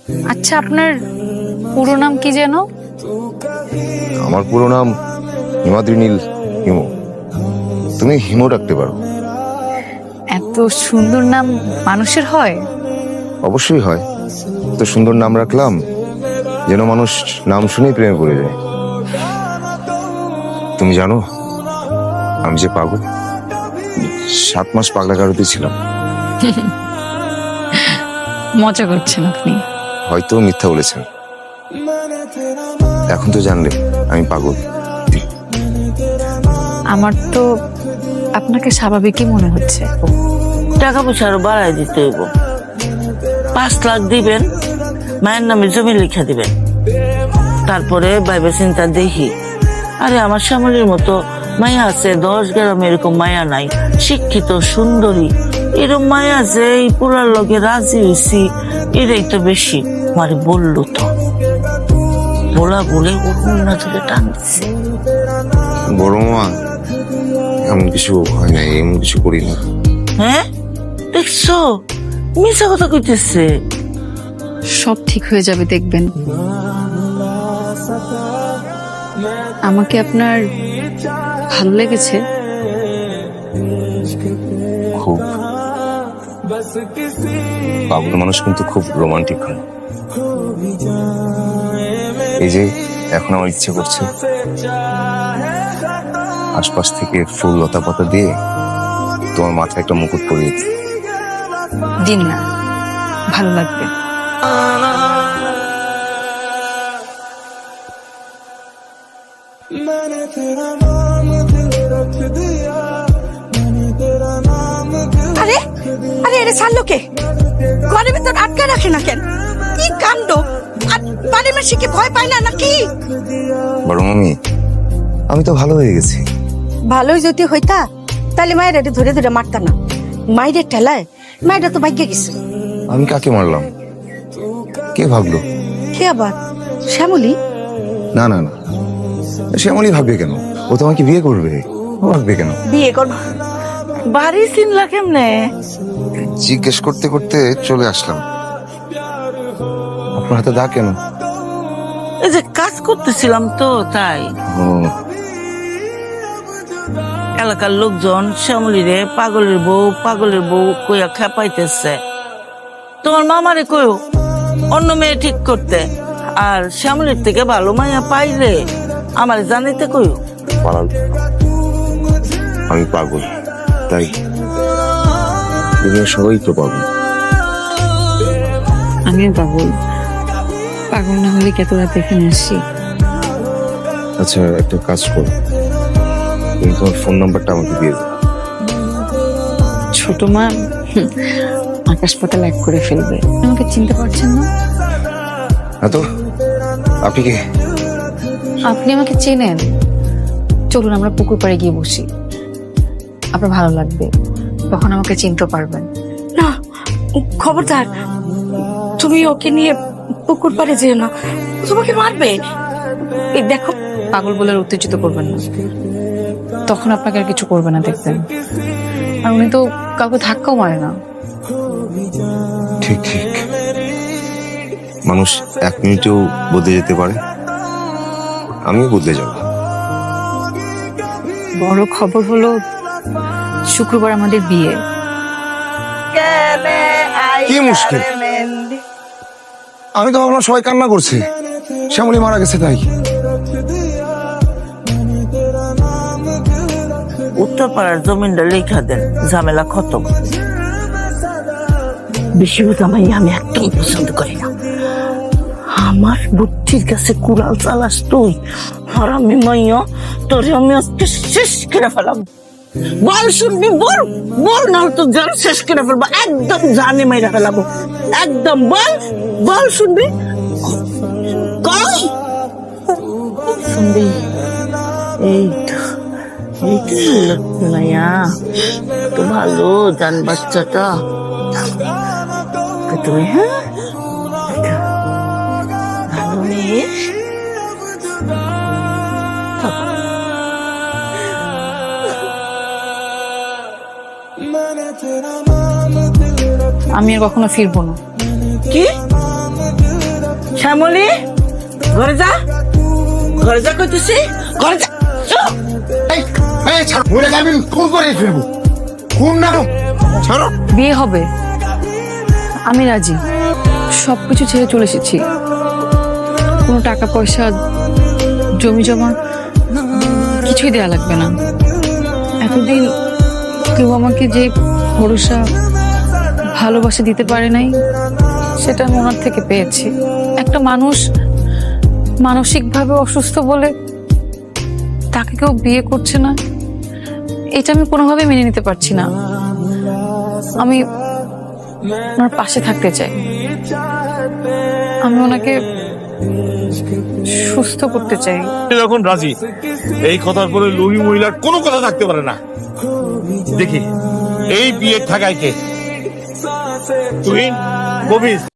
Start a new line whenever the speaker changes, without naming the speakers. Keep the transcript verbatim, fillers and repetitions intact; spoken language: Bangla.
আচ্ছা, আপনার পুরো নাম কি যেন?
আমার পুরো নাম হিমাদ্রি নীল হিমু। তুমি হিমু ডাকতে পারো।
এত সুন্দর নাম মানুষের হয়?
অবশ্যই হয়। তো সুন্দর নাম রাখলাম যেন মানুষ নাম শুনেই প্রেমে পড়ে যায়। তুমি জানো আমি যে পাগল, সাত মাস পাগলা গারদে ছিলাম।
মজা করছেন আপনি।
হয়তো মিথ্যা বলেছেন, এখন তো জানলে আমি পাগল।
আমার তো আপনাকে স্বাভাবিকই মনে হচ্ছে।
টাকা পয়সা আরো বাড়াই দিতে হইব। পাঁচ লাখ দিবেন, মায়ের নামে জমি লিখে দিবেন, তারপরে বাইবে চিন্তা দেখি। আরে আমার শ্যামলির মতো মায়া আছে, দশ গ্রামে এরকম মায়া নাই। শিক্ষিত সুন্দরী এরকম মায়া আছে, এই পুরার লগে রাজি হয়েছি, এটাই তো বেশি। মানে বললো তো বলা বলে ওর না ধরে টানছে।
বড় মা, এমন কিছু হয় নাই, এমন কিছু করি না।
হ্যাঁ দেখছো, মিশা কথা কইতেছে।
সব ঠিক হয়ে যাবে দেখবেন। আমাকে আপনার ভালো লেগেছে
খুব। পাগল মানুষ কিন্তু খুব রোমান্টিক হয়। এই যে এখন আমার ইচ্ছে করছে আশপাশ থেকে ফুল লতা পাতা দিয়ে তোমার মাথায় একটা মুকুট পরিয়ে দিই।
দিন না, ভালো লাগবে।
আরে আরে এরে ছাড়লো কে? ঘরের ভিতর আটকে রাখে না কেন? কি কাণ্ড! আর বাড়ির মাসি কি ভয় পায় না নাকি?
বড় মামি, আমি তো ভালো হয়ে গেছি।
ভালোই যদি হইতা তাহলে মায়ের এটা ধরে ধরে মারতা না। মায়ের ঠেলায় মায়েরা তো ভাগ্যে গেছে।
আমি কাকে মারলাম? কে ভাবলো?
কে আবার? শ্যামলী?
না না না, শ্যামলী ভাববে কেন? ও তো আমাকে বিয়ে করবে। ও ভাববে কেন?
বিয়ে করবা?
বাড়ি চিনলা কেমনে?
জিজ্ঞেস করতে করতে চলে আসলাম। আপনার হাতে দাগ কেন?
এই যে কাজ করতেছিলাম তো তাই।
ও,
এলাকার লোকজন শ্যামলিরে পাগলের বউ পাগলের বউ কইয়া খেপাইতেছে। তোমার মামারে কইও অন্য মেয়ে ঠিক করতে, আর শ্যামলির থেকে ভালো মাইয়া পাইলে আমার জানিতে কইও।
পালাল। আমি পাগল, তাই দুনিয়া সবাই তো পাগল।
আমিও পাগল। পাগল না হলে কত রাত এখানে আসি।
আচ্ছা, একটা কাজ করো, তুমি তোমার ফোন নাম্বারটা আমাকে দিয়ে দাও।
ছোট মা হুম, আকাশ পাতাল এক করে ফেলবে। আমাকে চিনতে পারছেন না?
হ্যাঁ তো, আপনি কে?
আপনি আমাকে চেনেন। চলুন আমরা পুকুর পাড়ে গিয়ে বসি, আপনার ভালো লাগবে, তখন আমাকে চিনতে পারবেন।
না, খবরদার, তুমি ওকে নিয়ে পুকুর পাড়ে যেও না, তোমাকে মারবে। এই দেখো,
পাগল বলে আর উত্তেজিত করবেন না, তখন আপনাকে আর কিছু করবে না দেখবেন। আর উনি তো কাউকে ধাক্কাও মারে না।
ঠিক ঠিক, মানুষ এক মিনিটেও বদলে যেতে পারে। আমিও বদলে যাব।
বড় খবর হলো শুক্রবার আমাদের বিয়ে।
কি মুশকিল? আমি তো ভাবলাম সবাই কান্না করছে, শ্যামলী মারা গেছে তাই।
উত্তরপাড়ার জমিনটা লেখা দেন, ঝামেলা খতম। বেশি বুঝামাই আমি একদম পছন্দ করি না। আমার বুদ্ধির কাছে কুড়াল চালাস তুই, আর আমি মাইয়া তোরে আমি আজকে শেষ করে ফেলাম। বল শুনবি, বল বল, না তো জান শেষ করে ফেলবো, একদম জানে মাইরা ফেলাবো, একদম। বল বল শুনবি, কই শুনবি? এই তো এই তো লক্ষ্মী মাইয়া, তো ভালো জান বাচ্চাটা তুমি। হ্যাঁ ভালো মেয়ে।
আমি আর কখনো ফিরবো না।
কি শ্যামলী ঘরে যা, ঘরে যা কইতেছি, ঘরে যা। চুপ।
এই, এই, ছাড়ো। মহিলাকে আমি খুন করে ফেলবো। খুন না তো। ছাড়ো।
বিয়ে হবে, আমি রাজি। সবকিছু ছেড়ে চলে এসেছি। কোনো টাকা পয়সা, জমি জমা কিছুই দেয়া লাগবে না। এতদিন কেউ আমাকে যে ভরসা, ভালোবাসা দিতে পারে নাই, সেটা আমি ওনার থেকে পেয়েছি। একটা মানুষ মানসিকভাবে অসুস্থ বলে তাকে কেউ বিয়ে করছে না, এটা আমি কোনোভাবে মেনে নিতে পারছি না। আমি ওনার পাশে থাকতে চাই। আমি ওনাকে সুস্থ করতে চাই।
যখন রাজি, এই কথার পরে লোভী মহিলার কোনো কথা থাকতে পারে না। দেখি এই বিয়ের ঠাকাইকে তুই কবিস।